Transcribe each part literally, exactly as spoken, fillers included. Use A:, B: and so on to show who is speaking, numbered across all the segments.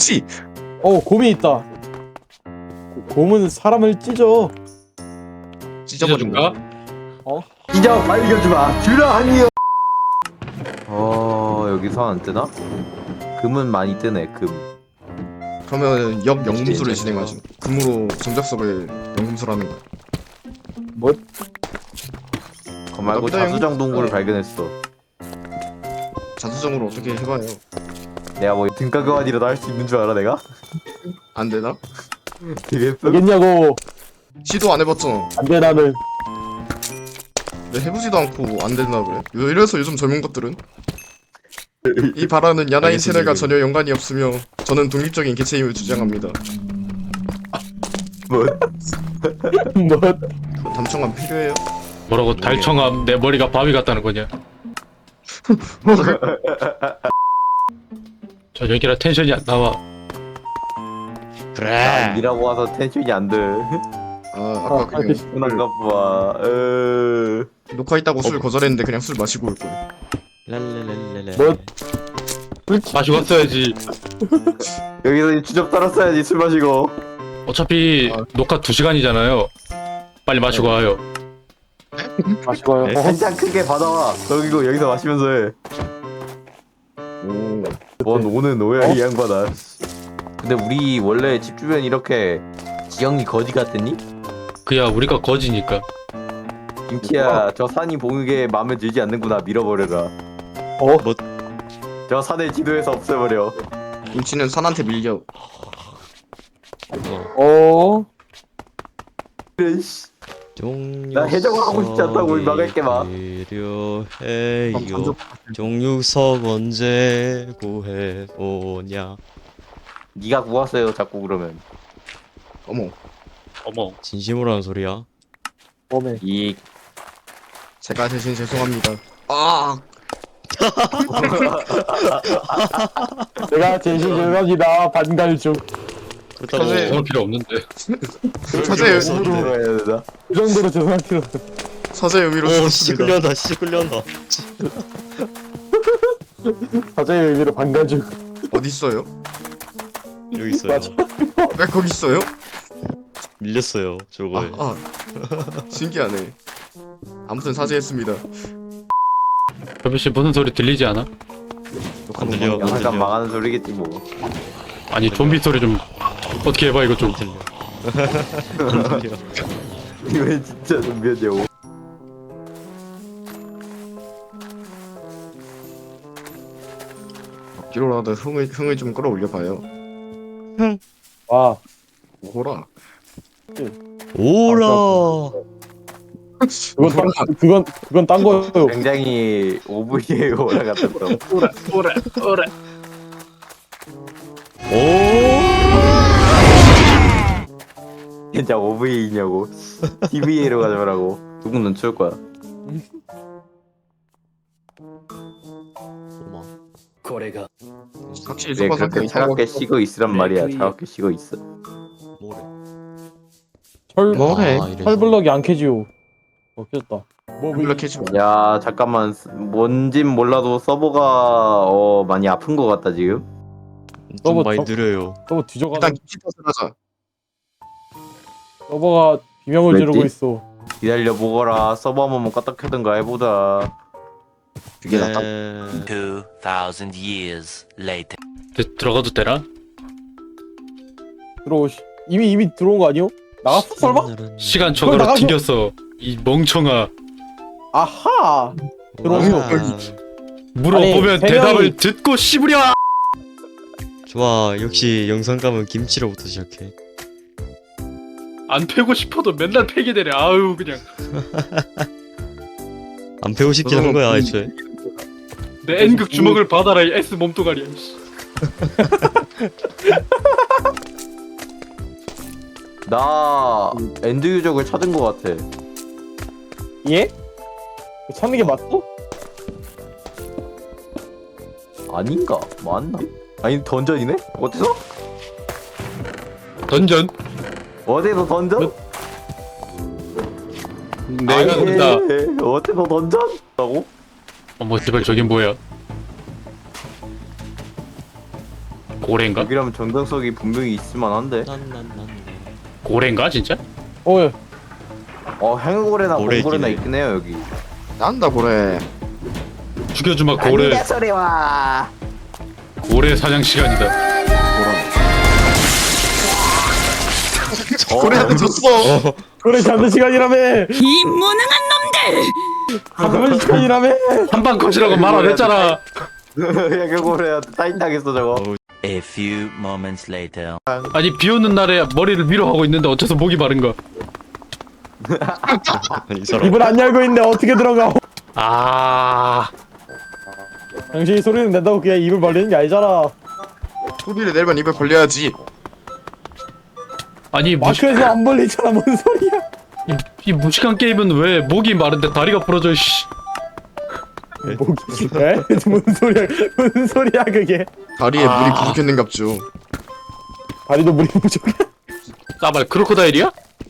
A: 없지.
B: 어, 곰이 있다. 곰은 사람을 찢어.
A: 찢어버린가?
C: 찢어 발견주마 주라 하니요. 어 여기서 안 뜨나? 금은 많이 뜨네 금.
A: 그러면 역 영금술을 진행하지. 금으로 정작석을 영금술하는 거야.
B: 뭐?
C: 그 말고
A: 나보다
C: 자수정
A: 영-
C: 동굴을
A: 어.
C: 발견했어.
A: 자수정으로 어떻게 해봐요?
C: 내가 뭐 등가 교환이라도 할 수 있는 줄 알아 내가?
A: 안 되나?
C: 되겠어?
B: 되겠냐고.
A: 시도 안 해봤잖아.
B: 안 돼, 나는.
A: 왜 해보지도 않고 안 된다 그래? 왜 이래서 요즘 젊은 것들은 이 발언은 야나인 세대가 전혀 연관이 없으며 저는 독립적인 개체임을 주장합니다.
C: 뭐?
B: 뭐?
A: 담청감 필요해요?
D: 뭐라고 달청함 내 머리가 바위 같다는 거냐? 저 여기라 텐션이 안 나와.
C: 난 일하고 와서 텐션이 안 돼.
A: 아 아까 그냥
C: 편한가 봐. 으...
A: 녹화 있다고 술 거절했는데 그냥 술 마시고 올 거야.
E: 랄랄랄랄라.
B: 뭐?
D: 마시고 왔어야지.
C: 여기서 주접 따랐어야지 술 마시고.
D: 어차피
A: 아.
D: 녹화 두 시간이잖아요. 빨리 마시고 와요.
B: 마시고요.
E: 네.
B: 어,
C: 한 잔 크게 받아와. 여기고 여기서 마시면서 해.
A: 오.
C: 뭔 오는 오야
B: 어?
C: 이 양반아. 근데 우리 원래 집 주변 이렇게 지형이 거지 같았니?
D: 그야 우리가 거지니까.
C: 김치야 저 산이 봉에게 마음에 들지 않는구나 밀어버려라.
B: 어?
E: 뭐?
C: 저 산을 지도에서 없애버려.
A: 김치는 산한테 밀려.
B: 어?
C: 그래 씨.
E: 종육
C: 나 해적을 하고 싶지 않다고 이 막을게 마.
E: 필요해요. 종육석 언제 구해오냐.
C: 네가 구웠어요 자꾸 그러면.
A: 어머.
D: 어머.
E: 진심으로 하는 소리야?
B: 몸에.
C: 이
A: 제가 대신 죄송합니다. 아.
B: 내가 제시 죄송합니다. 반갈죽.
E: 그렇다고
A: 사실-
D: 그럴 필요 없는데.
A: 사죄의
C: 으로 해야 되나?
B: 그 정도로 죄송할 필요 없어.
A: 사죄의 의미로
E: 오 씨
A: 쓰겠습니다.
E: 끌려온다 씨 끌려온다.
B: 사죄의 의미로 반갈죽.
A: 어디 있어요?
E: 여기 있어요.
B: 맞아.
A: 왜 거기 있어요?
E: 밀렸어요 저거에.
A: 아, 아. 신기하네. 아무튼 사죄했습니다.
D: 별비씨 무슨 소리 들리지 않아?
E: 안 들려 안
C: 약간
E: 들려.
C: 망하는 소리겠지 뭐.
D: 아니 좀비 소리 좀 어떻게 해봐 이거 좀.
E: 안 들려. 안 들려.
C: 이거 진짜 좀비였냐고.
A: 기로라도 흥을 흥을 좀 끌어올려 봐요.
B: 와.
A: 오호라.
E: 오라.
B: 그건 딴, 그건, 그건 딴 거예요.
C: 굉장히 오브이에 올라갔었어.
D: 오라 오라 오라.
E: 오.
C: 진짜 오브이냐고. 티비에이로 가져가라고. 누군 눈치올 거야.
E: 오마.
A: 확실히
C: 왜
A: 소파
C: 그렇게
A: 상태
C: 차갑게 쉬고 있으란 말이야. 차갑게 쉬고 있어.
E: 뭐래?
B: 철,
A: 뭐해?
E: 아, 이래서.
B: 철블럭이 안 캐지요. 어, 깼다. 뭐,
A: 이렇게 해주면
C: 야 잠깐만 뭔진 몰라도 서버가 어 많이 아픈 것 같다 지금.
E: 좀
B: 서버
E: 많이
B: 저-
E: 느려요.
B: 서버 뒤져가는
A: 일단 김치 탓을 하자.
B: 서버가 비명을
C: 왜지?
B: 지르고 있어.
C: 기다려 보거라. 서버 한 번만 까딱 켜든가 해보자.
A: 그게 낫다.
E: 네.
F: Two thousand years later.
D: 들- 들어가도 되나?
B: 들어오시. 이미, 이미 들어온 거 아니요? 나갔어, 설마?
D: 시간
B: 그걸
D: 초과로
B: 나가서-
D: 튕겼어. 이 멍청아.
B: 아하! 들어오세요.
E: 와.
D: 물어보면
B: 아니, 세
D: 대답을
B: 명이-
D: 듣고 씹으려.
E: 좋아 역시 영상감은 김치로부터 시작해.
D: 안 패고 싶어도 맨날 패게 되네. 아유 그냥
E: 안 배우 싶긴 한 거야 애초에.
D: 내 N극 주먹을 받아라 이 S 몸뚱아리야. 이씨.
C: 나 엔드 유적을 찾은 것 같아.
B: 예? 찾는 게 맞어?
C: 아닌가? 맞나? 아니 던전이네? 어디서?
D: 던전.
C: 어디서 던전?
D: 내가
C: 아니,
D: 간다.
C: 어디서 던전? 라고?
D: 어머 제발 저긴 뭐야? 고래인가?
C: 여기라면 정당석이 분명히 있을만한데.
E: 난난난.
D: 고래인가 진짜?
B: 어, 예.
C: 어 행고래나
E: 고래
C: 봉고래나
E: 있긴 해.
C: 있긴 해요 여기.
A: 난다 그래.
D: 죽여주마 고래.
C: 안돼 소리와.
D: 고래 사냥 시간이다.
A: 고래한테 줬어.
E: 어.
B: 그래 잡는 시간이라며. 이 무능한 놈들. 잡는 시간이라며.
D: 한방 컷이라고 말 안 했잖아.
C: 행고래한테 타인 당했어 저거.
F: A few moments later.
D: 아니 비 오는 날에 머리를 위로 하고 있는데 어째서 목이 마른가?
E: 아니 이 사람.
B: 입을 안 열고 있는데 어떻게 들어가?
D: 아
B: 당신이 소리는 낸다고 그냥 입을 벌리는 게 아니잖아.
A: 소리를 내면 입을 벌려야지.
D: 아니 무식,
B: 마크에서 안 벌리잖아. 뭔 소리야?
D: 이, 이 무식한 게임은 왜 목이 마른데 다리가 부러져 씨.
B: 목이. 에? 뭔 소리야? 뭔 소리야 그게?
A: 다리에
D: 아.
A: 물이 부족했는갑죠.
B: 다리도 물이 부족해.
D: 싸발 크로코다일이야?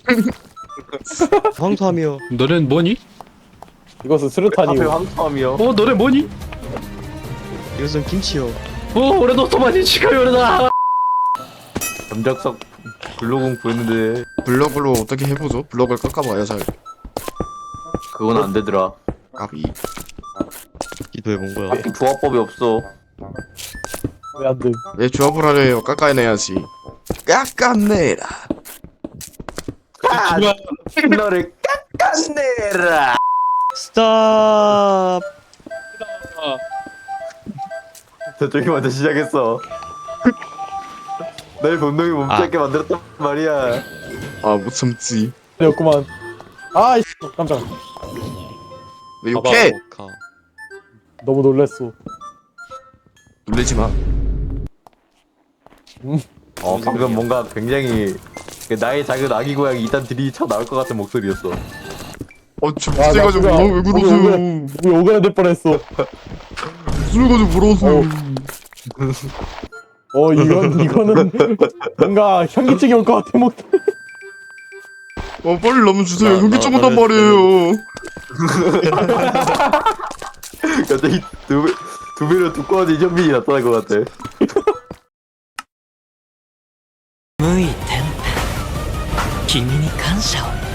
E: 황소하며.
D: 너넨 뭐니?
B: 이것은
C: 앞에
B: 수류탄이고.
C: 황토함이요.
D: 어 너네 뭐니?
E: 이것은 김치요.
D: 어 올해도 토마니 치카요르다.
C: 점적석 블로공 보였는데
A: 블럭으로 어떻게 해보죠? 블럭을 깎아봐야 잘.
C: 그건 안 되더라.
A: 까비.
E: 기도해 본 거야.
C: 딱히 조합법이 없어.
B: 왜 안 돼?
A: 왜 조합을 하려요? 깎아내야지. 깎아내라.
C: 아,
D: 좋아.
C: 너를 깎아내라.
E: 스탑.
C: 저쪽이 먼저 시작했어. 날 분명히 멈추게 만들었단 말이야.
A: 아 못 참지.
B: 되었구만. 아, 이 깜짝.
A: 왜 욕해?
E: 가.
B: 너무 놀랬어.
A: 놀리지 마.
C: 어 방금 뭔가 굉장히 그 나의 작은 아기 고양이 이딴 들이 쳐 나올 것 같은 목소리였어.
A: 어저
B: 아, 나
A: 못해가지고
B: 그거-
A: 왜
B: 목이
A: 그러세요?
B: 오그라- 목이 오그라들 뻔했어.
A: 술 가지고 부러웠어요.
B: 어, 이건 이거는 뭔가 현기증이 올 것 같아. 목.
A: 어 빨리 라면 주세요.
E: 나-
A: 여기
E: 나-
A: 쪼문단
E: 나는-
A: 말이에요.
C: 갑자기 두, 배- 두 배로 두꺼운 이전빈이 나타날 것 같아.
F: 向いてん君に感謝を